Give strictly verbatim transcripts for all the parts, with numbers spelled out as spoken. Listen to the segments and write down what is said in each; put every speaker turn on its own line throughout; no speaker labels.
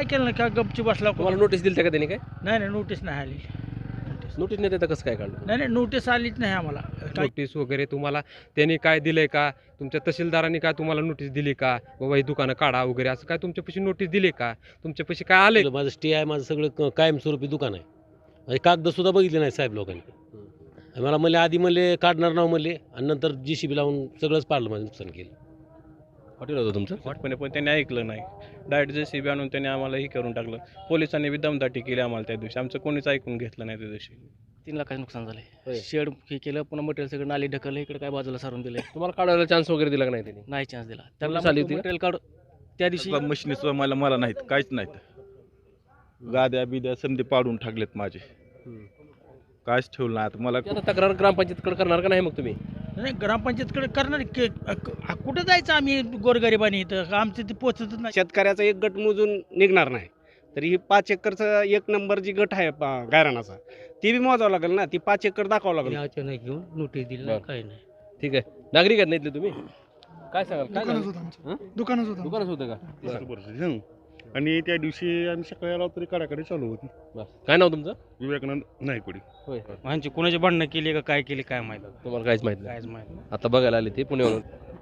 काय केलं नाही, का गपची बसला.
तुम्हाला नोटीस दिली का त्यांनी? काय
नाही नाही, नोटीस नाही आली.
नोटीस नाही देता कसं काय काढलं?
नाही नाही, नोटीस आलीच नाही आम्हाला. काय
नोटीस वगैरे तुम्हाला त्यांनी काय दिलंय का? तुमच्या तहसीलदारांनी काय तुम्हाला नोटीस दिली का बाबा ही दुकानं काढा वगैरे असं काय तुमच्यापाशी नोटीस दिली का? तुमच्यापाशी काय आलंय?
माझं स्टे आहे, माझं सगळं क- कायमस्वरूपी दुकान आहे. आणि कागद सुद्धा बघितले नाही साहेब लोकांनी. आणि मला म्हणले आधी म्हणले काढणार नाव म्हणले, आणि नंतर जी सी बी लावून सगळंच पाडलं, माझं नुकसान केलं.
हॉटेल होतं तुमचं?
हॉटपणे पण त्यांनी ऐकलं नाही. डायरेक्ट जे सी बी आणून त्यांनी आम्हाला हे करून टाकलं. पोलिसांनी बी दमदाटी केली आम्हाला त्या दिवशी. आमचं कोणीच ऐकून घेतलं नाही त्या दिवशी.
तीन लाखाचं नुकसान झालंय.
होय.
शेड हे केलं, पुन्हा मटेरियल सगळं नाली ढकललं, इकडे काय बाजूला सारून दिले.
तुम्हाला काढायला चान्स वगैरे दिला का नाही त्यांनी?
नाही चान्स दिला
नोटीस
त्यांना.
आली होती का?
मटेरियल काढ त्या दिवशी
मशिनी सुद्धा मला मला नाहीत, काहीच नाहीत. गाद्या बिद्या समजे पाडून टाकलेत माझे, काहीच ठेवलं नाही. आता मला
आता तक्रार ग्रामपंचायतकडे करणार का नाही मग तुम्ही?
नाही, ग्रामपंचायतकडे करणार की क- कुठं जायचं आम्ही गोरगरिबांनी? इथं आमचं ते पोचतच नाही.
शेतकऱ्याचा एक गट मोजून निघणार नाही, तर ही पाच एकरचा एक नंबर जी गट आहे पा- गायरानाचा, ती बी मोजावं लागेल ना. ती पाच एकर दाखवावं लागेल.
अचानक घेऊन नोटीस दिली
बरं.
काही नाही.
ठीक आहे. नागरिक आहेत ना इथले तुम्ही? काय सांगाल? काय
दुकानच
झालं?
होतं आमचं.
हं?
दुकानच होतं
दुकानच होतं का?
असं परिस्थिती, हं. आणि त्या दिवशी आम्ही सकाळी आलो तरी काढाकडे चालू होती.
बरं. काय नाव तुमचं?
विवेकानंद नायकोडी.
होय.
म्हणजे कोणाची भांडणं केली का काय केली काय माहिती.
तुम्हाला काहीच माहिती नाही.
कायच माहिती.
आता बघायला आले ते पुण्यावरून.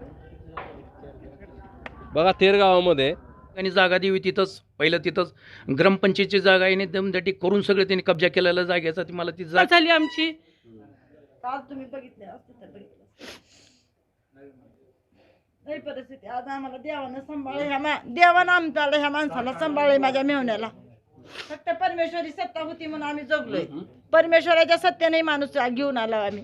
बघा तेर गावामध्ये
आणि जागा देवी तिथंच पहिलं तिथंच ग्रामपंचायतीची जागा आहे. दमदाटी करून सगळं त्यांनी कब्जा केलेला जागेचा. ती मला ती जागा झाली आमची.
आज तुम्ही बघितले असते तर बघितलं नाही परिस्थिती. आज आम्हाला देवानं सांभाळे, ह्या मा देवानं आमच्याला ह्या माणसाला सांभाळे, माझ्या मेहण्याला. फक्त परमेश्वरी सत्ता होती म्हणून आम्ही जगलोय. परमेश्वराच्या सत्तेने माणूस घेऊन आलो आम्ही.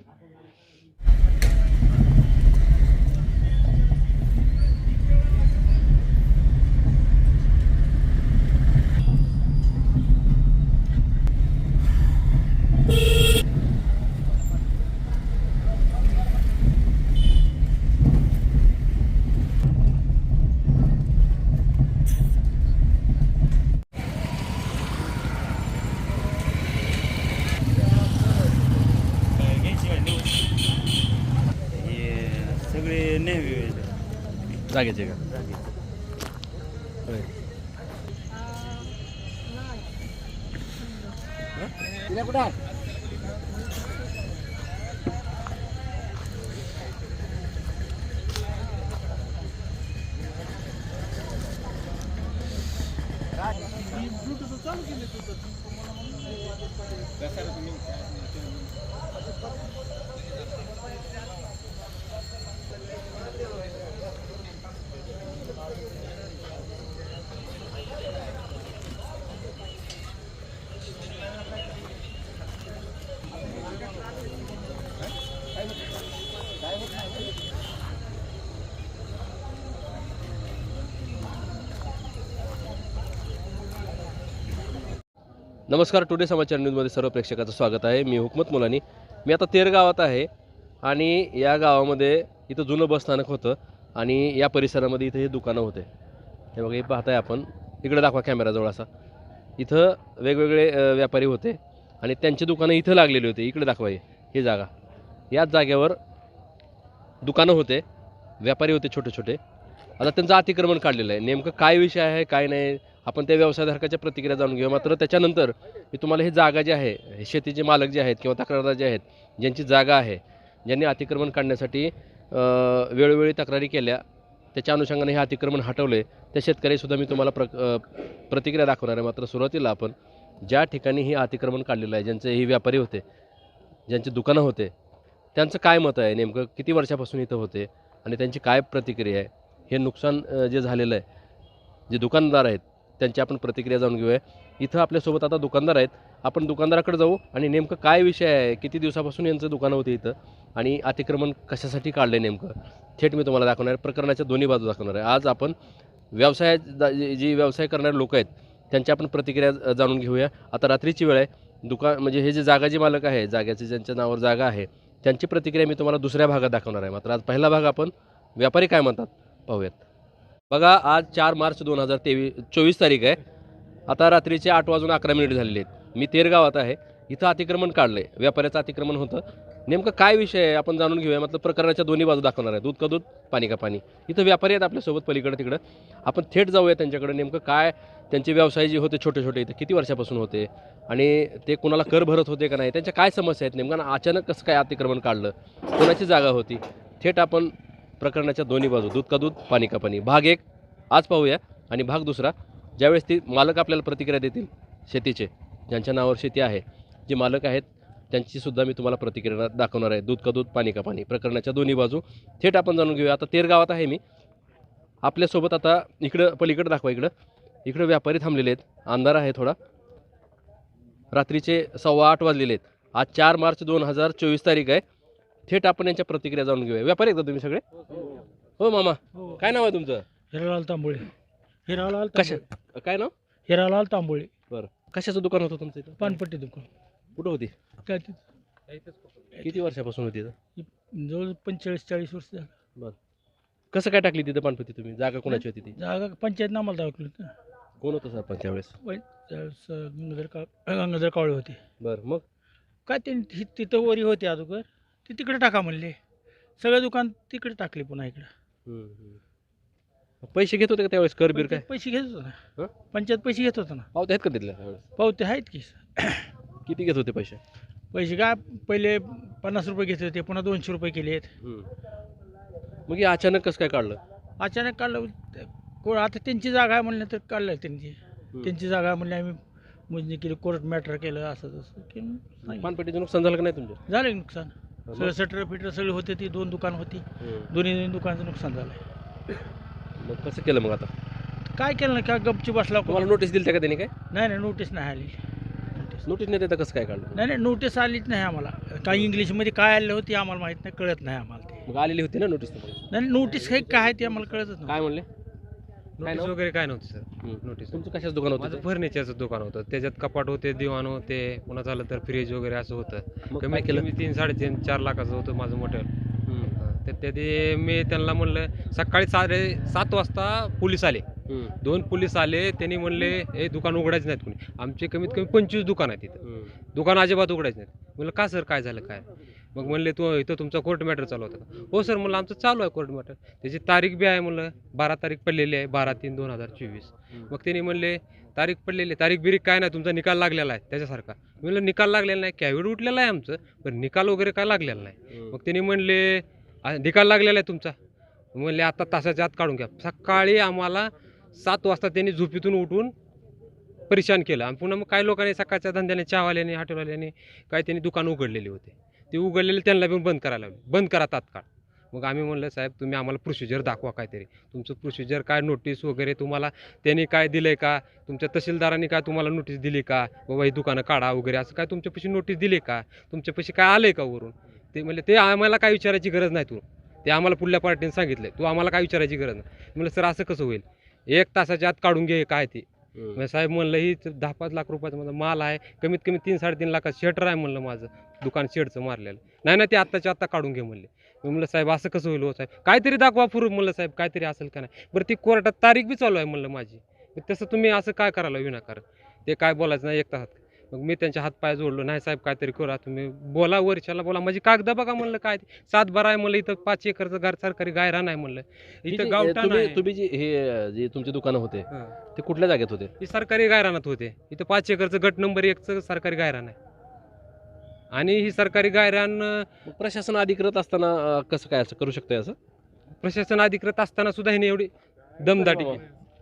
सगळे नेहमी
जागेचे का? होय. नमस्कार. टुडे समाचार न्यूजमध्ये सर्व प्रेक्षकाचं स्वागत आहे. मी हुकमत मुलानी. मी आता तेर गावात आहे आणि या गावामध्ये इथं जुनं बसस्थानक होतं आणि या परिसरामध्ये इथं हे दुकानं होते. हे बघा, हे पाहताय आपण. इकडे दाखवा कॅमेराजवळ असा. इथं वेगवेगळे अ, व्यापारी होते आणि त्यांची दुकानं इथं लागलेली होती. इकडे दाखवा हे ही जागा. याच जागेवर दुकानं होते, व्यापारी होते छोटे छोटे. आता त्यांचं अतिक्रमण काढलेलं आहे. नेमकं काय विषय आहे काय नाही आपण त्या व्यवसायधारकाच्या प्रतिक्रिया जाणून घेऊ. मात्र त्याच्यानंतर मी तुम्हाला ही जागा जी आहे, हे शेतीचे मालक जे आहेत किंवा तक्रारदार जे आहेत, ज्यांची जागा आहे, ज्यांनी अतिक्रमण काढण्यासाठी अ, वेळोवेळी तक्रारी केल्या, त्याच्या अनुषंगाने हे अतिक्रमण हटवले, त्या शेतकरीसुद्धा मी तुम्हाला प्र अ, प्रतिक्रिया दाखवणार आहे. मात्र सुरुवातीला आपण ज्या ठिकाणी हे अतिक्रमण काढलेलं आहे, ज्यांचे हे व्यापारी होते, ज्यांचे दुकानं होते, त्यांचं काय मत आहे, नेमकं किती वर्षापासून इथं होते आणि त्यांची काय प्रतिक्रिया आहे, हे नुकसान अ, जे झालेलं आहे, जे दुकानदार आहेत त्यांची आपण प्रतिक्रिया जाणून घेऊया. इथं आपल्यासोबत आता दुकानदार आहेत. आपण दुकानदाराकडे जाऊ आणि नेमकं काय विषय आहे, किती दिवसापासून यांचं दुकानं होते इथं आणि अतिक्रमण कशासाठी काढलं नेमकं, थेट मी तुम्हाला दाखवणार आहे. प्रकरणाच्या दोन्ही बाजू दाखवणार आहे. आज आपण व्यवसाय जी व्यवसाय करणारे लोक आहेत त्यांची आपण प्रतिक्रिया जाणून घेऊया. आता रात्रीची वेळ आहे. दुकान म्हणजे हे जे जागा जे मालक आहे, जाग्याचे ज्यांच्या नावावर जागा आहे, त्यांची प्रतिक्रिया मी तुम्हाला दुसऱ्या भागात दाखवणार आहे. मात्र आज पहिला भाग आपण व्यापारी काय म्हणतात पाहूयात. बघा, आज चार मार्च दोन हजार तेवीस चोवीस तारीख आहे. आता रात्रीचे आठ वाजून अकरा मिनिट झालेले आहेत. मी तेर गावात आहे. इथं अतिक्रमण काढलं आहे. व्यापाऱ्याचं अतिक्रमण होतं. नेमकं काय विषय आहे आपण जाणून घेऊया. मतलब प्रकरणाच्या दोन्ही बाजू दाखवणार आहे, दूध का दूध पाणी का पाणी. इथं व्यापारी आहेत आपल्यासोबत पलीकडे तिकडं, आपण थेट जाऊया त्यांच्याकडे. नेमकं काय त्यांचे व्यवसाय जे होते छोटे छोटे इथं किती वर्षापासून होते आणि ते कुणाला कर भरत होते का नाही, त्यांच्या काय समस्या आहेत नेमकं, अचानक कसं काय अतिक्रमण काढलं, कोणाची जागा होती. थेट आपण प्रकरणाच्या दोन्ही बाजू, दूध का दूध पाणी का पाणी, भाग एक आज पाहूया आणि भाग दुसरा ज्यावेळेस ती मालक आपल्याला प्रतिक्रिया देतील शेतीचे, ज्यांच्या नावावर शेती आहे, जे मालक आहेत त्यांचीसुद्धा मी तुम्हाला प्रतिक्रिया दाखवणार आहे. दूध का दूध पाणी का पाणी प्रकरणाच्या दोन्ही बाजू थेट आपण जाणून घेऊया. आता तेर गावात आहे मी आपल्यासोबत. आता इकडं पलीकडं दाखवा, इकडं इकडं व्यापारी थांबलेले आहेत, अंधार आहे थोडा, रात्रीचे सव्वा आठ वाजलेले आहेत. आज चार मार्च दोन हजार चोवीस तारीख आहे. थेट आपण यांच्या प्रतिक्रिया जाणून घेऊया. व्यापारी एकदा तुम्ही सगळे? हो मामा, काय नाव आहे तुमचं?
हिरालाल तांबोळे. हिरालाल
कशा काय नाव?
हिरालाल तांबोळे.
बरं, कशाचं दुकान होतं तुमचं इथं?
पानपट्टी दुकान.
कुठं होती?
काय ते
किती वर्षापासून होती इथं?
जवळ पंचेचाळीस चाळीस वर्ष झालं.
बरं, कसं काय टाकली तिथं पानपट्टी तुम्ही? जागा कोणाची होती ती?
जागा पंचायत नामाला दाखवली ना.
कोण होतं सरपंच त्यावेळेस?
त्यावेळेस गंगाधर का गंगाधर कावळे होते.
बरं, मग
काय ते हि- तिथं वरी होते अगोदर, ते तिकडे टाका म्हणले, सगळं दुकान तिकडे टाकले पुन्हा इकडं.
हम्म, हम्म. पैसे घेत होते का त्यावेळेस, कर बीर काय?
पंचायत पैसे घेत होतं
हं?
ना, पंचायत पैसे घेत होतं ना.
पावते आहेत का तिथल्या त्यावेळेस?
पावते आहेत की.
किती घेत होते पैसे?
पैसे काय पहिले पन्नास रुपये घेत होते, पुन्हा दोनशे रुपये केले आहेत.
हम्म. मग हे अचानक कसं काय काढलं?
अचानक काढलं ते- को- आता त्यांची जागा आहे म्हणलं तर काढलं त्यांची.
हम्म.
त्यांची जागा आहे म्हणले, आम्ही मोजणी केली, कोर्ट मॅटर केलं, असं तसं की नाही.
पानपट्टीचं नुकसान झालं का नाही तुमचं?
झालं की नुकसान.
मग?
सगळं सटर फिटर सगळी होते, ती दोन दुकान होती,
हम्म.
दोन्ही दोन्ही दुकानाचं नुकसान झालं.
मग कसं केलं मग आता?
काय केलं ना, काय गपची बसला.
तुम्हाला नोटीस दिली का त्यांनी काय?
नाही नाही, नोटीस नाही आली. नोटीस
नोटीस नाही देता कसं काय काढलं?
नाही नाही, नोटीस आलीच नाही आम्हाला. काही इंग्लिशमध्ये काय आलं होती आम्हाला माहीत नाही, कळत नाही आम्हाला ते.
मग आलेली होती ना नोटीस तुम्हाला?
नाही नोटीस काही काय ते आम्हाला कळतच नाही.
काय म्हणले?
नोटीस
नाव?
वगैरे काय नव्हतं सर.
हम्म.
नोटीस
तुमचं कशाच दुकान
माझं
होतं?
फर्निचरचं दुकान होतं, त्याच्यात कपाट होते, दिवाण होते, पुन्हा झालं तर फ्रीज वगैरे असं होतं.
मग काय
कमीत
केलं?
कमी तीन साडेतीन चार लाखाचं होतं माझं मोठं.
हम्म.
तर त्यात मी त्यांना म्हणलं, सकाळी साडे सात वाजता पोलीस आले,
हम्म.
दोन पोलीस आले, त्यांनी म्हणले हे दुकान उघडायचं नाहीत कोणी. आमचे कमीत कमी पंचवीस दुकान आहेत तिथं,
हम्म.
दुकान अजिबात उघडायचं नाहीत. म्हणलं का सर, काय झालं काय? मग म्हणले तू इथं तुमचा कोर्ट मॅटर चालू होता का? हो सर म्हणलं आमचं चालू आहे कोर्ट मॅटर, त्याची तारीख बी आहे म्हणलं, बारा तारीख पडलेली आहे, बारा तीन दोन हजार चोवीस. मग त्यांनी म्हणले तारीख पडलेली, तारीख बिरीख काय नाही, तुमचा निकाल लागलेला आहे त्याच्यासारखा. मी म्हणलं निकाल लागलेला नाही, कॅविड उठलेला आहे आमचं, पण निकाल वगैरे काय लागलेला नाही. मग त्यांनी म्हणले "आ, निकाल लागलेला आहे तुमचा." म्हणले आता तासाच्या आत काढून घ्या. सकाळी आम्हाला सात वाजता त्यांनी झोपेतून उठून परेशान केलं. आणि पुन्हा मग काही लोकांनी सकाळच्या धंद्याने, चहावाल्याने, हॉटेलवाल्याने काय त्यांनी दुकान उघडलेली होते, ते उघडलेले त्यांना पण बंद करायला लावले, बंद करा तात्काळ. मग आम्ही म्हणलं साहेब तुम्ही आम्हाला प्रोसिजर दाखवा काहीतरी, तुमचं प्रोसिजर काय, नोटीस वगैरे तुम्हाला त्यांनी काय दिलं आहे का, तुमच्या तहसीलदारांनी काय तुम्हाला नोटीस दिली का, बाबा ही दुकानं काढा वगैरे, असं काय तुमच्यापाशी नोटीस दिली का, तुमच्यापाशी काय आलं आहे का वरून? ते म्हणले ते आम्हाला काय विचारायची गरज नाही, तू ते आम्हाला पुढल्या पार्टीने सांगितलं, तू आम्हाला काय विचारायची गरज नाही. म्हणलं सर असं कसं होईल, एक तासाच्या आत काढून घे काय ते. मग साहेब म्हणलं ही दहा पाच लाख रुपयाचा माझा माल आहे, कमीत कमी तीन साडेतीन लाखाचं शटर आहे म्हणलं माझं दुकान, शेडचं मारलेलं. नाही ना ते आत्ताच्या आत्ता काढून घे म्हणले. मी म्हणलं साहेब असं कसं होईल हो साहेब, काहीतरी दाखवा प्रूफ म्हणलं साहेब, काहीतरी असेल का नाही. बरं ती कोर्टात तारीख बी चालू आहे म्हणलं माझी, मग तसं तुम्ही असं काय करायला विनाकारण, ते काय बोलायचं नाही एक तासात. मग मी त्यांच्या हातपाय जोडलो, नाही साहेब काहीतरी करा तुम्ही, बोला वर्षाला बोला, माझी कागद बघा म्हणलं, काय सात बारा आहे म्हणलं, इथं पाच एकरचं घर सरकारी गायरान आहे म्हणलं,
ही
इथं
जी-
गावठाण
तुम्ही
आहे.
तुम्ही जी हे जे तुमचे दुकानं होते
हं.
ते कुठल्या जागेत होते?
ही सरकारी गायरानात होते, इथं पाच एकरचं गट नंबर एकचं सरकारी गायरान आहे. आणि ही सरकारी गायरान अं,
मग प्रशासन अधिकृत असताना अं, कसं काय असं करू शकतंय असं?
प्रशासन अधिकृत असताना सुद्धा हिने एवढी दमदाटी केली,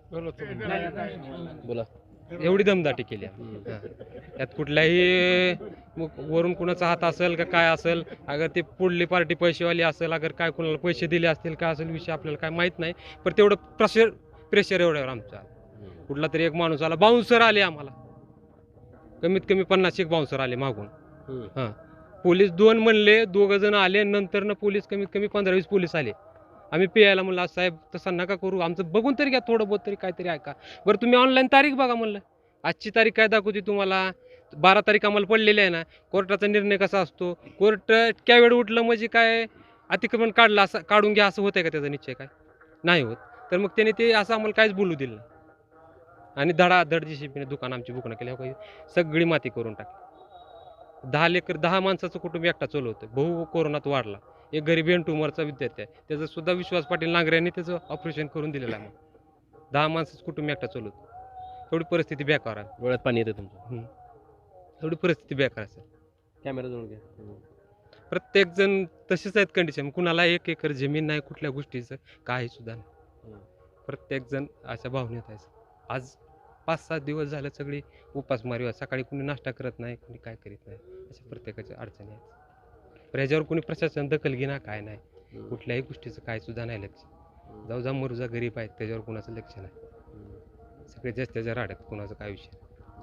बोला.
एवढी दमदाटी केली आहे. हां. यात कुठल्याही मग वरून कुणाचा हात असेल का काय असेल, अगर ते पुढली पार्टी पैसेवाली असेल, अगर काय कुणाला पैसे दिले असतील काय असेल विषय आपल्याला काय माहीत नाही, पण तेवढं प्रेशर प्रेशर एवढ्यावर आमचा. कुठला तरी एक माणूस आला, बाउन्सर आले आम्हाला, कमीत कमी पन्नास एक बाउन्सर आले मागून.
हम्म.
हां, पोलीस दोन म्हणले, दोघं जण आले, नंतर पोलीस कमीत कमी पंधरा वीस पोलीस आले. आम्ही पियायला म्हणलं "आज साहेब तसं नका करू, आमचं बघून तरी घ्या, थोडं बहुत तरी काहीतरी ऐका. बरं तुम्ही ऑनलाईन तारीख बघा म्हणलं, आजची तारीख काय दाखवते तुम्हाला, बारा तारीख आम्हाला पडलेली आहे ना, कोर्टाचा निर्णय कसा असतो, कोर्ट इतक्या वेळ उठलं म्हणजे काय अतिक्रमण काढलं असं काढून घ्या असं होतंय का, त्याचा निश्चय काय नाही होत. तर मग त्याने ते असं आम्हाला काहीच बोलू दिलं नाही, आणि धडाधड जी शिपीने दुकान आमची बुकणं केली, हो काही सगळी माती करून टाकली. दहा लेकर दहा माणसाचं कुटुंब एकटा चालवतं. भाऊ कोरोनात वाढला, एक गरीब एन ट्युमरचा विद्यार्थी आहे, त्याचं सुद्धा विश्वास पाटील नांगरे त्याचं ऑपरेशन करून दिलेलं आहे. मग दहा माणसाचं कुटुंब एकटा चालवतं. थोडी परिस्थिती बेकार आहे.
डोळ्यात पाणी येते तुमचं.
थोडी परिस्थिती बेकार असेल.
कॅमेरा जवळ घ्या.
प्रत्येक जण तसेच आहेत कंडिशन. कुणाला एक एकर जमीन नाही, कुठल्या गोष्टीचं काही सुद्धा नाही. प्रत्येक जण अशा भावनेत आहे. आज पाच सात दिवस झाले सगळी उपासमारी. सकाळी कुणी नाश्ता करत नाही, कुणी काय करीत नाही, अशा प्रत्येकाच्या अडचणी आहेत. पण ह्याच्यावर कुणी प्रशासन दखल घेणार काय नाही, कुठल्याही गोष्टीचं काय सुद्धा नाही लक्ष. जाऊ जा मरुजा गरीब आहेत त्याच्यावर कुणाचं लक्ष नाही. सगळे जास्त त्याच्या राड्यात कुणाचं काय विषय.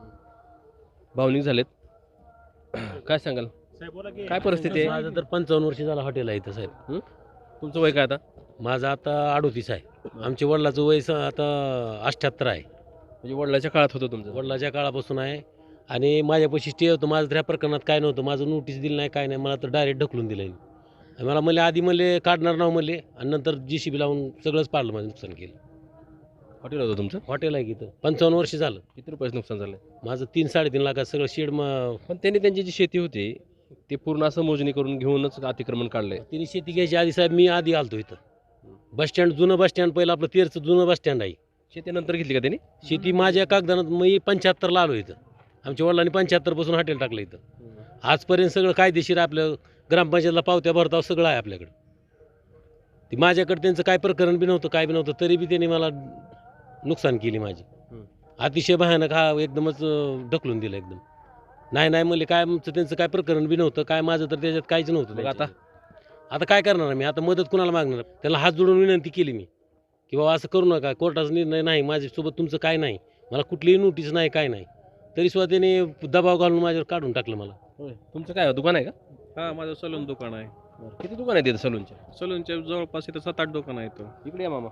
भावनिक झालेत. काय सांगाल, काय परिस्थिती आहे?
माझं तर पंचावन्न वर्ष झालं हॉटेल आहे इथं साहेब.
तुमचं वय काय आता?
माझं आता अडोतीस आहे. आमच्या वडिलाचं वय स- आता अठ्ठ्याहत्तर आहे.
म्हणजे वडिलाच्या काळात होतं तुमचं?
वडिलाच्या काळापासून आहे. आणि माझ्यापाशी स्टे होतं. माझं त्या प्रकरणात काय नव्हतं. माझं नोटीस दिलं नाही, काय नाही. मला तर डायरेक्ट ढकलून दिलं. आणि मला म्हणले आधी म्हणले काढणार नाव म्हणले, आणि नंतर जी सी बी लावून सगळंच पाडलं, माझं नुकसान केलं.
हॉटेल होतं तुमचं?
हॉटेल आहे की इथं. पंचावन्न वर्ष झालं.
किती रुपयाचं नुकसान झालं?
माझं तीन साडेतीन लाखात सगळं शेड मग.
पण त्यांनी त्यांची जी शेती होती ते पूर्ण असं मोजणी करून घेऊनच अतिक्रमण काढलंय.
तिने शेती घ्यायची आधी साहेब मी आधी आलतो इथं. बस स्टँड जुनं बस स्टँड पहिलं आपलं तेरचं जुनं बस स्टँड आहे.
शेती नंतर घेतली का त्यांनी?
शेती माझ्या कागदानात मी पंच्याहत्तरला आलो इथं. आमच्या वडिलांनी पंच्याहत्तर पासून हॉटेल टाकलं इथं. आजपर्यंत सगळं कायदेशीर आपलं ग्रामपंचायतला पावत्या भरताव सगळं आहे आपल्याकडं. ती माझ्याकडे त्यांचं काय प्रकरण बी नव्हतं, काय बी नव्हतं, तरी बी त्यांनी मला नुकसान केली माझी. अतिशय भयानक. हा एकदमच अं, ढकलून दिलं एकदम. नाही नाही म्हणले काय आमचं त्यांचं काय प्रकरण बी नव्हतं, काय माझं तर त्याच्यात काहीच नव्हतं.
मग आता?
आता काय करणार मी? आता मदत कुणाला मागणार? त्याला हात जोडून विनंती केली मी की बाबा असं करू नका, कोर्टाचा निर्णय नाही, माझ्यासोबत तुमचं काय नाही, मला कुठलीही नोटीस नाही, काय नाही. तरी सुद्धा त्याने दबाव घालून माझ्यावर काढून टाकलं मला.
तुमचं काय दुकान आहे का?
हां, माझं सलून दुकान आहे.
किती दुकान आहे तिथं सलूनचे?
सलूनच्या जवळपास इथं सात आठ दुकान आहेत.
इकडे या मामा.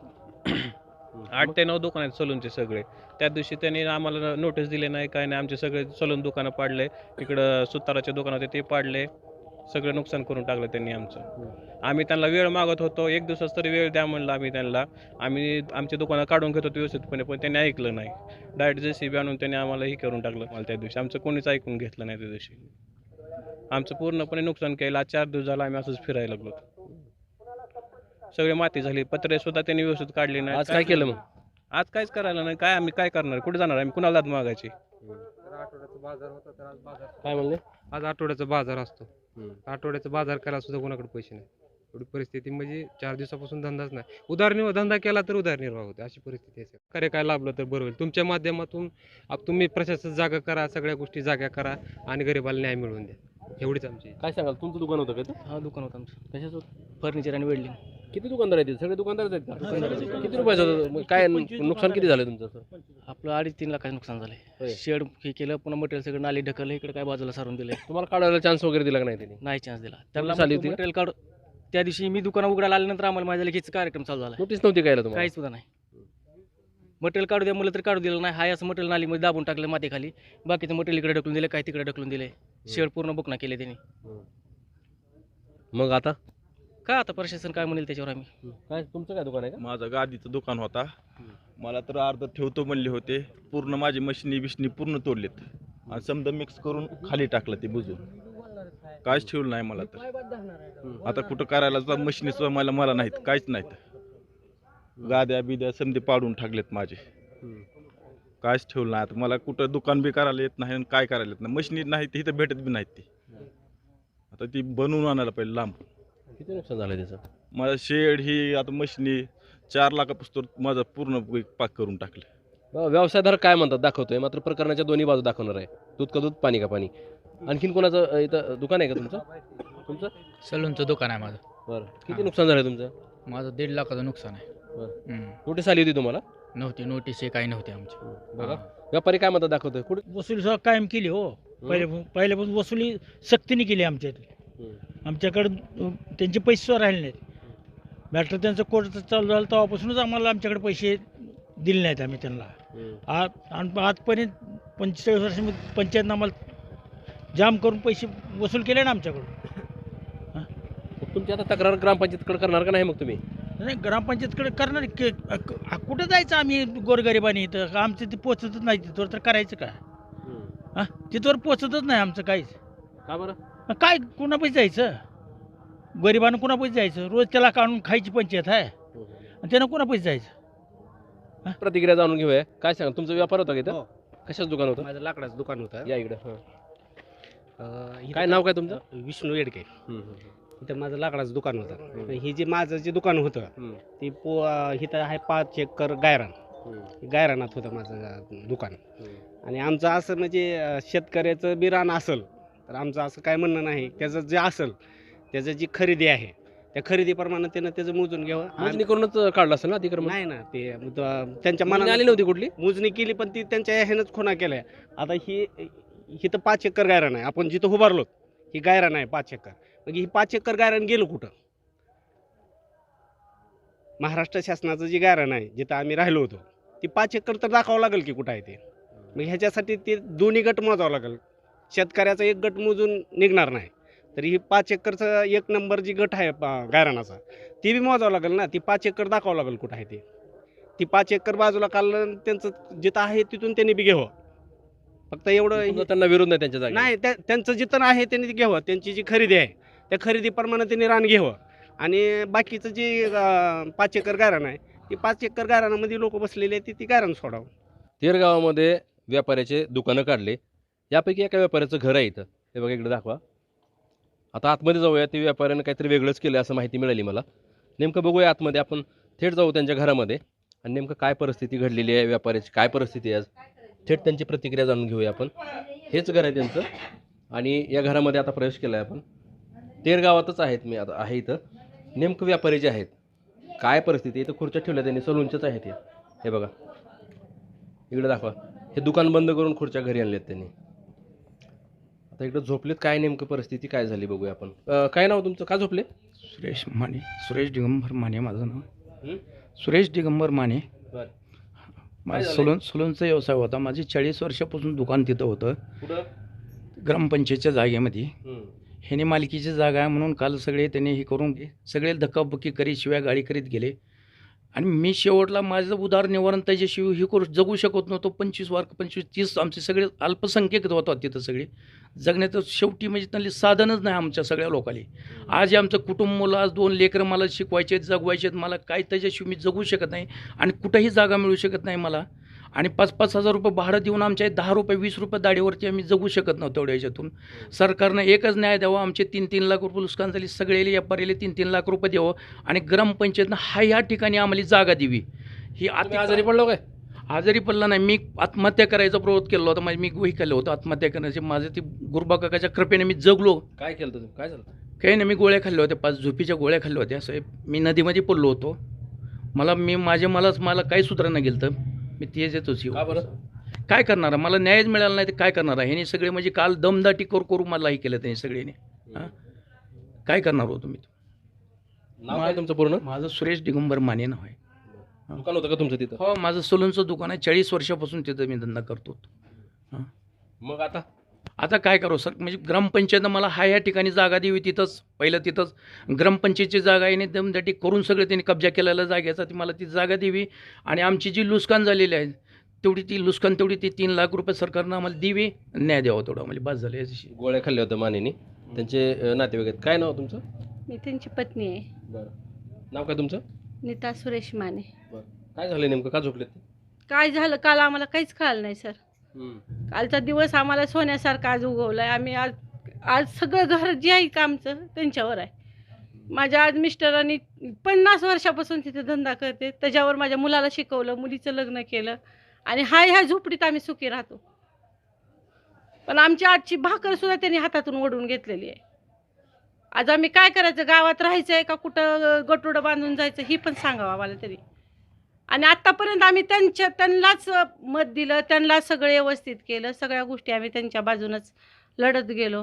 आठ ते नऊ दुकान आहेत सलूनचे सगळे. त्या दिवशी त्यांनी आम्हाला नोटीस दिले नाही, काय नाही. आमचे सगळे सलून दुकानं पाडले. इकडं सुताराचे दुकान होते ते पाडले. सगळं नुकसान करून टाकलं त्यांनी आमचं. आम्ही त्यांना वेळ मागत होतो, एक दिवसाच तरी वेळ द्या म्हणलं आम्ही त्यांना. आम्ही आमची दुकानं काढून घेत होतो व्यवस्थितपणे, पण त्यांनी ऐकलं नाही. डायरेक्ट जे सी बी आणून त्यांनी आम्हाला हे करून टाकलं. मला त्या दिवशी आमचं कोणीच ऐकून घेतलं नाही. त्या दिवशी आमचं पूर्णपणे नुकसान केलं. आज चार दिवस झाला आम्ही असंच फिरायला लागलो. सगळे माती झाली. पत्रे सुद्धा त्यांनी व्यवस्थित काढली नाही.
आज काय केलं मग?
आज काहीच करायला नाही. काय आम्ही काय करणार? कुठे जाणार आम्ही? कुणाला दाद मागायची?
आठवड्याचा बाजार होता तर आज बाजार
काय म्हणले?
आज आठवड्याचा बाजार असतो. आठवड्याचा बाजार केला सुद्धा कोणाकडे पैसे नाही. एवढी परिस्थिती म्हणजे चार दिवसापासून धंदाच नाही. उदारनिर्वाह धंदा केला तर उदारनिर्वाह होते, अशी परिस्थिती आहे. खरे काय लाभलं तर बरं होईल. तुमच्या माध्यमातून आप तुम्ही प्रशासन जागा करा, सगळ्या गोष्टी जागा करा आणि गरिबाला न्याय मिळवून द्या. एवढीच आमची.
काय सांगाल, तुमचं दुकान होतं का ते?
हा दुकान होतं आमचं. कशाच होतं? फर्निचर आणि वेल्डिंग.
किती दुकानदार आहेत? सगळे दुकानदारच आहेत का? किती रुपयाचं होतं? मग काय नुकसान किती झालं तुमचं?
आपलं अडीच तीन लाखाचं नुकसान झालंय.
होय.
शेड हे केलं, पुन्हा मटेरियल सगळं नाली ढकललं, इकडे काय बाजूला सारून दिलंय.
तुम्हाला काढायला चान्स वगैरे दिला का नाही त्यांनी?
नाही चान्स दिला
नोटीस
त्याला.
आली होती का?
मटेरियल काढ त्या दिवशी मी दुकान उघडायला आल्यानंतर आम्हाला माझ्या लगेच कार्यक्रम चालू झाला.
नोटीस नव्हती काय तुम्हाला?
काही सुद्धा नाही. मटेरियल काढू द्या म्हणलं तर काढू दिलं नाही. हाय असं मटेरियल नालीमध्ये दाबून टाकलं मातीखाली. बाकीचं मटेरियल इकडे ढकलून दिलं, काय तिकडे ढकलून दिले. शेड पूर्ण बुकना केले त्यांनी.
मग आता
काय आता प्रशासन काय म्हणेल त्याच्यावर आम्ही.
काय तुमचं काय दुकान आहे का?
माझं गादीचं दुकान होता. मला तर अर्ध ठेवतो म्हणले होते. पूर्ण माझी मशिनी बिशनी पूर्ण तोडलेत आणि समजा मिक्स करून खाली टाकलं ते बुजून. काहीच ठेवलं नाही मला तर. आता कुठं करायला सुद्धा मशिनी सुद्धा मला मला नाहीत, काहीच नाहीत. गाद्या बिद्या समजे पाडून टाकलेत माझे. काहीच ठेवलं नाही. आता मला कुठं दुकान बी करायला येत नाही आणि काय करायला येत नाही. मशिनी नाही ती इथं भेटत बी नाहीत ती. आता ती बनवून आणायला पाहिजे लांब.
किती नुकसान झालं त्याचं?
माझं शेड ही आता मशिनी चार लाखापासून माझं पूर्ण पाक करून टाकलं.
व्यवसायधार काय म्हणतात दाखवतोय, मात्र प्रकरणाच्या दोन्ही बाजू दाखवणार आहे. दूध का दूध, पाणी का पाणी. आणखीन कोणाचं इथं दुकान आहे का तुमचं? तुमचं
सलूनचं दुकान आहे माझं.
बरं. किती नुकसान झालं तुमचं?
माझं दीड लाखाचं नुकसान आहे.
बरं. नोटीस आली होती तुम्हाला?
नव्हती. नोटीस हे काही नव्हती आमची.
बघा व्यापारी काय म्हणतात दाखवतोय. कुठे
वसुली सुद्धा कायम केली हो. पहिले पहिल्यापासून वसुली सक्तीने केली आमच्या इथे. आमच्याकडे त्यांचे पैसे सुद्धा राहिले नाहीत. मॅटर त्यांचं कोर्ट चालू झालं तेव्हापासूनच आम्हाला आमच्याकडे पैसे दिले नाहीत आम्ही त्यांना. आज आणि आजपर्यंत पंचेचाळीस वर्षामध्ये पंचायतनं आम्हाला जाम करून पैसे वसूल केले ना आमच्याकडून.
तुमची आता तक्रार ग्रामपंचायतकडे करणार का नाही मग तुम्ही?
नाही, ग्रामपंचायतकडे करणार की. कुठं जायचं आम्ही गोरगरिबांनी इथं? आमचं ते पोचतच नाही तिथवर, तर करायचं काय? हां, तिथवर पोचतच नाही आमचं काहीच.
का बरं?
काय कुणा पैसे जायचं, गरिबानं कुणा पैसे जायचं, रोज त्याला काढून खायची पंचायत आहे आणि त्यानं कुणा पैसे जायचं.
प्रतिक्रिया जाणून घेऊया. काय सांगा, तुमचा व्यापार होता का इथं?
हो.
कशाचं दुकान होतं?
माझं लाकडाचं दुकान होतं.
या इकडं. हां.
अं, इथं
काय नाव काय तुमचं?
विष्णू येडके.
हम्म, हम्म,
इथं माझं लाकडाचं दुकान होतं. ही जे माझं जे दुकान होतं
हम्म,
ती पो इथं आहे पाच एकर गायरान.
हम्म,
गायरानात होतं माझं दुकान.
हम्म.
आणि आमचं असं म्हणजे अं, शेतकऱ्याचं बी रान असेल तर आमचं असं काय म्हणणं नाही, त्याचं जे असेल त्याचं जी खरेदी आहे त्या खरेदीप्रमाणे त्यानं त्याचं मोजून घ्यावं.
मोजणी
आणि-
करूनच काढलं असेल ना अतिक्रमण?
नाही ना, ते अं, त्यांच्या
मोजणी
मनाने
आली नव्हती कुठली?
मोजणी केली पण ती त्यांच्या ह्यानंच खुणा केल्या. आता ही इथं पाच एकर गायरान आहे, आपण जिथं उभारलो ही गायरान आहे पाच एकर. मग ही पाच एकर गायरान गेलं कुठं? महाराष्ट्र शासनाचं जी गायरान आहे जिथं आम्ही राहिलो होतो ती पाच एकर तर दाखवावं लागेल की कुठं आहे ते. मग ह्याच्यासाठी ते दोन्ही गट मोजावं लागेल. शेतकऱ्याचा एक गट मोजून निघणार नाही, तर ही पाच एकरचं एक नंबर जी गट आहे पा- गायरानाचा ती बी मोजावं लागेल ना. ती पाच एकर दाखवावं लागेल कुठं आहे ते. ती पाच एकर बाजूला काढलं, त्यांचं जिथं आहे तिथून त्यांनी बी घ्यावं. फक्त एवढं
समजा त्यांना विरोध नाही त्यांच्या जागी?
नाही, त्या त्यांचं जिथं आहे त्यांनी ते घ्यावं. त्यांची जी खरेदी आहे त्या खरेदीप्रमाणे त्यांनी रान घ्यावं. आणि बाकीचं जे अं, पाच एकर गायरान आहे ती पाच एकर गायरानामध्ये लोक बसलेले आहेत, ती ती गायरान सोडावं.
तेर गावामध्ये व्यापाऱ्याचे दुकानं काढले. यापैकी एका व्यापाऱ्याचं घर आहे इथं. हे बघा इकडे दाखवा. आता आतमध्ये जाऊया. ते व्यापाऱ्यानं काहीतरी वेगळंच केलं असं माहिती मिळाली मला. नेमकं बघूया आतमध्ये. आपण थेट जाऊ त्यांच्या घरामध्ये आणि नेमकं काय परिस्थिती घडलेली आहे, व्यापाऱ्याची काय परिस्थिती आहे आज, थेट त्यांची प्रतिक्रिया जाणून घेऊया आपण. हेच घर आहे त्यांचं आणि या घरामध्ये आता प्रवेश केला आहे आपण. तेर गावातच आहेत मी आता आहे इथं. नेमकं व्यापारी जे आहेत, काय परिस्थिती आहे, इथं खुर्च्या ठेवल्या त्यांनी, सलूनच्याच आहेत हे. हे बघा इकडे दाखवा. हे दुकान बंद करून खुर्च्या घरी आणल्यात त्यांनी. आता इकडं झोपलेत. काय नेमकं परिस्थिती काय झाली बघूया आपण. अं, काय नाव तुमचं, का झोपले?
सुरेश माने. सुरेश दिगंबर माने माझं नाव.
हं?
सुरेश दिगंबर माने.
बरं.
माझं
झालंय?
सलून सलूनचा व्यवसाय होता. माझी चाळीस वर्षापासून दुकान तिथं होतं,
कुठं?
ग्रामपंचायतच्या जागेमध्ये.
हं.
ह्याने मालकीची जागा आहे म्हणून काल सगळे त्यांनी हे करून सगळे धक्काबुक्की करीत शिवाय गाडी करीत गेले. आणि मी शेवटला माझं उदारनिवारण त्याच्याशिवाय हे करू जगू शकत नव्हतो. पंचवीस वार पंचवीस तीस आमचे सगळे अल्पसंख्यक होतात तिथं सगळे. जगण्याचं शेवटी म्हणजे त्यांनी साधनच नाही आमच्या सगळ्या लोकांनी. आज हे आमचं कुटुंब, मला आज दोन लेकरं मला शिकवायचे आहेत, जगवायचे आहेत. मला काय त्याच्याशिवाय मी जगू शकत नाही आणि कुठंही जागा मिळू शकत नाही मला. आणि पाच पाच हजार रुपये भाडं देऊन आमच्या दहा रुपये वीस रुपये दाढीवरती आम्ही जगू शकत नव्हतो तेवढ्या ह्याच्यातून. सरकारनं एकच न्याय द्यावा. आमचे तीन तीन लाख रुपये नुकसान झाली, सगळे व्यापारीले तीन तीन लाख रुपये द्यावं आणि ग्रामपंचायतनं हा ह्या ठिकाणी आम्हाला जागा द्यावी. ही
तुम्ही
आत
आजारी पडलो काय?
आजारी पडला नाही, मी आत्महत्या करायचा प्रवृत्त केला होता. माझी मी वही केलं होतं आत्महत्या करण्याचे. माझं ती गुरुबा काकाच्या कृपेने मी जगलो.
काय केलं तुम्ही, काय झालं?
काही नाही, मी गोळ्या खाल्ल्या होत्या, पाच झोपीच्या गोळ्या खाल्ल्या होत्या. असं मी नदीमध्ये पडलो होतो. मला मी माझे मलाच मला काही सुधारणा गेलं तर मी तेच येतोच.
का बरं?
काय करणार, मला न्यायच मिळाला नाही तर काय करणार. ह्याने सगळे म्हणजे काल दमदाटी करू करू मला हे केलं त्यांनी सगळ्यांनी. हां, काय करणार हो तुम्ही?
नाव काय तुमचं पूर्ण?
माझं सुरेश दिगंबर माने नाव आहे.
दुकान होतं का तुमचं तिथं?
हो, माझं सलूनचं दुकान आहे. चाळीस वर्षापासून तिथं मी धंदा करतो. हां,
मग आता
आता काय करू सर, म्हणजे ग्रामपंचायतनं मला हा या ठिकाणी जागा द्यावी. तिथंच पहिलं तिथंच ग्रामपंचायतची जागा आहे, दमदाटी करून सगळं त्यांनी कब्जा केलेला जागेचा. ती मला ती जागा द्यावी आणि आमची जी लुस्कान झालेली आहे तेवढी ती लुस्कान तेवढी ती तीन लाख रुपये सरकारनं आम्हाला द्यावी, न्याय द्यावा तेवढा. म्हणजे बस झालं याची.
गोळ्या खाल्ल्या होत्या मानेनी, त्यांचे अं, नातेवाईक आहेत. काय नाव तुमचं?
मी त्यांची पत्नी आहे.
बरं. नाव काय तुमचं?
नीता सुरेश माने.
बरं. काय झालं नेमकं, का झोपलेत ते?
काय झालं काल आम्हाला काहीच कळलं नाही सर.
हं.
कालचा दिवस आम्हाला सोन्यासारखा आज उगवला आहे. आम्ही आज आज सगळं घर जे आहे का आमचं त्यांच्यावर आहे. माझ्या आज मिस्टरांनी पन्नास वर्षापासून तिथे धंदा करते. त्याच्यावर माझ्या मुलाला शिकवलं, मुलीचं लग्न केलं आणि हा ह्या झोपडीत आम्ही सुखी राहतो. पण आमची आजची भाकरसुद्धा त्यांनी हातातून ओढून घेतलेली आहे. आज आम्ही काय करायचं, गावात राहायचं आहे का कुठं गटोडं बांधून जायचं ही पण सांगावं आम्हाला तरी. आणि आत्तापर्यंत आम्ही त्यांच्या त्यांनाच मत दिलं, त्यांना सगळं व्यवस्थित केलं, सगळ्या गोष्टी आम्ही त्यांच्या बाजूनच लढत गेलो.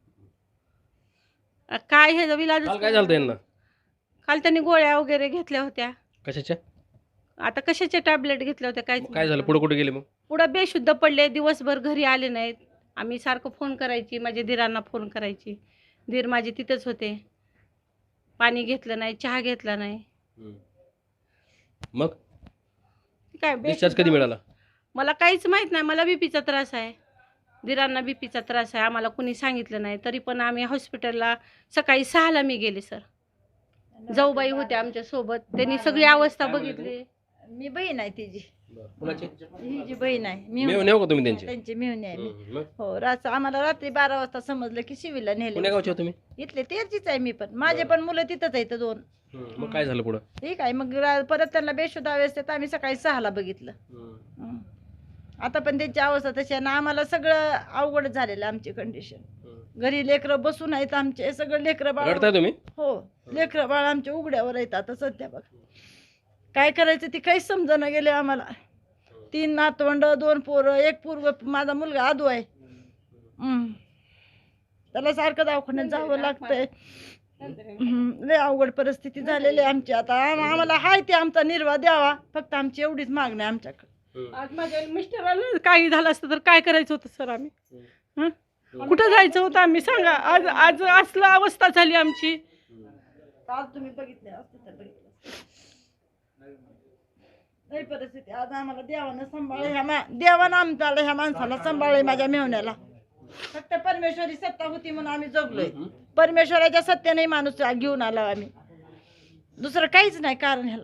आ, काय हे विलाज.
काल काय झालं यांना?
काल त्यांनी गोळ्या वगैरे घेतल्या होत्या.
कशाच्या?
आता कशाच्या टॅबलेट घेतल्या होत्या काय
काय झालं, पुढे कुठे गेले मग?
पुढं बेशुद्ध पडले, दिवसभर घरी आले नाहीत. आम्ही सारखं फोन करायची, माझ्या दिरांना फोन करायची, दीर माझे तिथंच होते. पाणी घेतलं नाही, चहा घेतला नाही.
हं. मग
काय
डिस्चार्ज कधी मिळाला?
मला काहीच माहित नाही. मला बीपीचा त्रास आहे. दिरांना बीपीचा त्रास आहे, आम्हाला कुणी सांगितलं नाही. तरी पण आम्ही हॉस्पिटलला सकाळी सहाला मी गेले सर. जाऊबाई होत्या आमच्या सोबत, त्यांनी सगळी अवस्था बघितली.
मी बहीण आहे तिची,
कुणाची
ही जी बहीण आहे
मेव
मिळून
नेऊ का तुम्ही त्यांची
त्यांची मिळून आहे मी.
हम्म, मग
हो रात आम्हाला रात्री बारा वाजता समजलं की शिवीला
पुण्या
नेले.
गावचे हो तुम्ही
इथले तेरचीच आहे मी, पण माझे पण मुलं तिथंच आहेत दोन.
हम्म, मग काय झालं पुढं
ठीक आहे, मग रा- परत त्यांना बेशुद्ध अवस्थेत आम्ही सकाळी सहाला बघितलं. हं. आता पण त्यांची अवस्था तशी आहे ना, आम्हाला सगळं अवघड झालेलं आमची कंडिशन. घरी लेकरं बसून आहेत आमचे, सगळं लेकरं बाळ.
रडताय तुम्ही
हो, लेकरं बाळ आमच्या उघड्यावर आहेत आता सध्या. बघ काय करायचं ते काहीच समजणं गेले आम्हाला. तीन नातवंड, दोन पोरं, एक पूर्व माझा मुलगा आदू आहे. हं. त्याला सारखं दवाखान्यात जावं लागतंय. हं, लय अवघड परिस्थिती झालेली आहे आमची आता. आम- आम्हाला हाय ते आमचा निर्वाह द्यावा, फक्त आमची एवढीच मागणी आहे आमच्याकडे.
आज माझ्या मिस्टराला काही झालं असतं तर काय करायचं होतं सर आम्ही? हं? कुठं जायचं होतं आम्ही सांगा? आज आज असलं अवस्था झाली आमची.
आज तुम्ही बघितले असते तर बघितलं नाही परिस्थिती. आज आम्हाला देवानं सांभाळ ह्या मा देवानं आमच्याला ह्या माणसाला सांभाळले, माझ्या मेवण्याला. फक्त परमेश्वरी सत्ता होती म्हणून आम्ही जगलोय. परमेश्वराच्या सत्तेने माणूस घेऊन आला आम्ही, दुसरं काहीच नाही कारण ह्याला.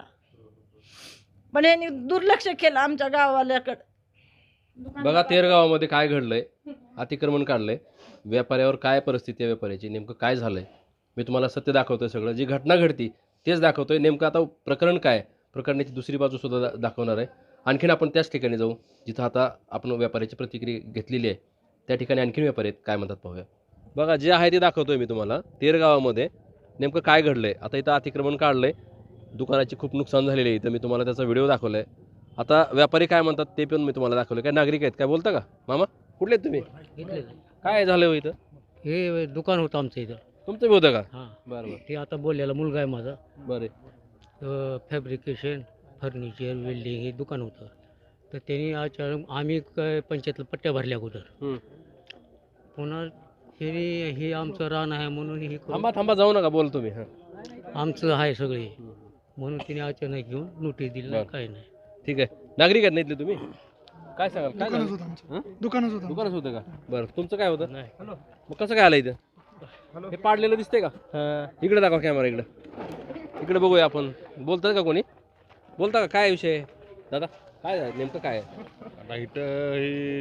पण यांनी दुर्लक्ष केलं आमच्या गावाल्याकडं.
बघा तेर गावामध्ये काय घडलंय, अतिक्रमण काढलंय, व्यापाऱ्यावर काय परिस्थिती आहे व्यापाऱ्याची, नेमकं काय झालंय मी तुम्हाला सत्य दाखवतोय. सगळं जी घटना घडती तेच दाखवतोय. नेमकं आता प्रकरण काय, प्रकरणाची दुसरी बाजू सुद्धा दा दाखवणार आहे. आणखीन आपण त्याच ठिकाणी जाऊ जिथं आता आपण व्यापाऱ्याची प्रतिक्रिया घेतलेली आहे. त्या ठिकाणी आणखीन व्यापारी आहेत, काय म्हणतात पाहूया. बघा जे आहे ते दाखवतोय मी तुम्हाला. तेर गावामध्ये नेमकं काय घडलंय. आता इथं अतिक्रमण काढलंय, दुकानाची खूप नुकसान झालेली आहे. इथं मी तुम्हाला त्याचा व्हिडिओ दाखवलाय. आता व्यापारी काय म्हणतात ते पण मी तुम्हाला दाखवलं. काय नागरिक आहेत काय बोलता का मामा? कुठले आहेत तुम्ही? काय झालं हो इथं?
हे दुकान होतं आमचं इथं.
तुमचं बी होतं का?
हां
बरं बरं
ते आता बोललेला मुलगा आहे माझा.
बरं
फॅब्रिकेशन, फर्निचर, वेल्डिंग हे दुकान होतं. तर त्यांनी अचानक आम्ही काय पंचायतला पट्ट्या भरल्या अगोदर.
हम्म.
पुन्हा हे हे आमचं रान आहे म्हणून हे करून-
थांबा थांबा जाऊ नका बोल तुम्ही. हां
आमचं आहे सगळे म्हणून तिने अचानक घेऊन नोटीस दिली नाही,
बरं.
काही नाही.
ठीक आहे. नागरिक आहेत ना इथले तुम्ही? काय सांगाल? काय
दुकानच
झालं?
होतं आमचं.
हं?
दुकानच होतं
दुकानच होतं का? बरं तुमचं काय होतं?
नाही.
मग कसं काय आलं इथं? हे पाडलेलं दिसतंय का? इकडे दाखवा कॅमेरा, इकडे इकडे बघूया आपण. बोलतात का कोणी? बोलता का? काय विषय आहे दादा? काय आहे? नेमकं काय आहे?
आता इथं ही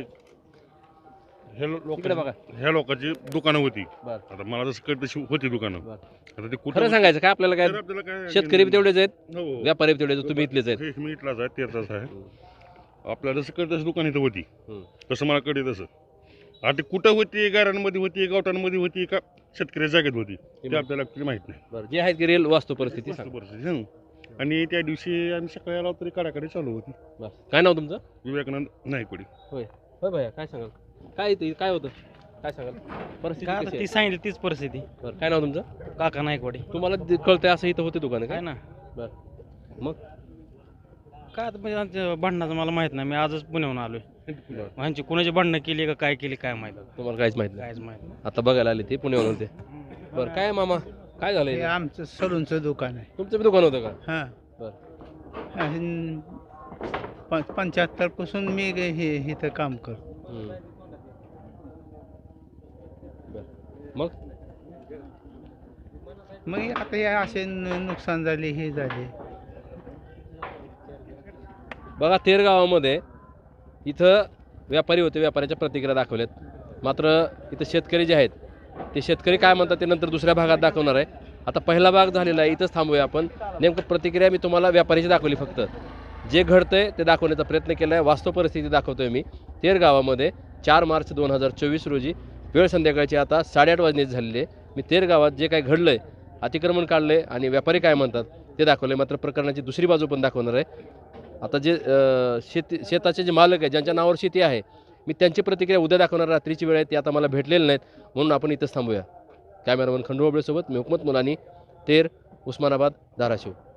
हे लोक
इकडे बघा.
ह्या लोकांची दुकानं होती.
बरं.
आता मला जसं कळत तशी होती दुकानं.
बरं.
आता ते कुठं
खरं
होती?
सांगायचं काय आपल्याला
तर
काय?
आपल्याला काय
शेतकरी बी तेवढेच आहेत,
हो, हो.
व्यापारी बी तेवढेच आहेत, तुम्ही इथलेच आहेत.
हे मी इथलाच आहे, तेरचाच आहे. आपल्याला जसं कळत तसं दुकान इथं होती.
हम्म.
तसं मला कळते तसं. आता ते कुठं होती, गारांमध्ये होती, गावठांमध्ये होती का शेतकऱ्याच्या जागेत होती ते आपल्याला actually माहित नाही.
बरं जे आहेत की रिअल वास्तू परिस्थिती सांग.
परिस्थिती हं. आणि त्या दिवशी आम्ही सकाळी आलो तरी काढाकाडी चालू होती.
बरं. काय नाव तुमचं?
विवेकानंद नाईकवाडी.
होय होय भैया काय सांगाल? काय इथं काय होतं? काय सांगाल? परिस्थिती
काय
कशी
आता ती
आहे?
सांगितली तीच परिस्थिती.
बरं काय नाव तुमचं?
काका नायकवाडी.
तुम्हाला ते कळतंय असं इथं होते दुकान
काय
काय?
ना
बरं मग
काय आता म्हणजे आमच्या भांडणाचं मला माहित नाही. मी आजच पुण्याहून आलोय. ह्यांची कुणाची भांडणं केली का काय केली काय माहित आता.
तुम्हाला काहीच माहित नाही.
काहीच माहित नाही.
आता बघायला आले ते पुण्यावरून होते. बरं काय मामा काय झालं
हे
इथं?
आमचं सलूनचं दुकान आहे.
तुमचं बी दुकान होतं का?
हां
बरं.
पंच्याहत्तर पासून मी हे इथं काम करतो.
हम्म. बरं. मग
मग आता हे असे न- नुकसान झाले हे झाले.
बघा तेर गावामध्ये इथं व्यापारी होते, व्यापाऱ्याच्या प्रतिक्रिया दाखवल्यात. मात्र इथं शेतकरी जे आहेत ते शेतकरी काय म्हणतात ते नंतर दुसऱ्या भागात दाखवणार आहे. आता पहिला भाग झालेला आहे, इथंच थांबूया आपण. नेमकं प्रतिक्रिया मी तुम्हाला व्यापाऱ्याची दाखवली, फक्त जे घडतंय ते दाखवण्याचा प्रयत्न केला आहे. वास्तव परिस्थिती दाखवतोय मी. तेर गावामध्ये चार मार्च दोन हजार चोवीस रोजी वेळ संध्याकाळची आता साडेआठ वाजण्याची झालेली आहे. मी तेर गावात जे काय घडलं आहे, अतिक्रमण काढलं आहे आणि व्यापारी काय म्हणतात ते दाखवलं आहे. मात्र प्रकरणाची दुसरी बाजू पण दाखवणार आहे. आता जे अ, शेती शेताचे जे मालक आहेत, ज्यांच्या नावावर शेती आहे, मी त्यांची प्रतिक्रिया उद्या दाखवणार. रात्रीची वेळ आहे, ती आता मला भेटलेली नाहीत, म्हणून आपण इथंच थांबूया. कॅमेरामन खंडू ओबळेसोबत मी हुकमत मुलानी, तेर, उस्मानाबाद, धाराशिव.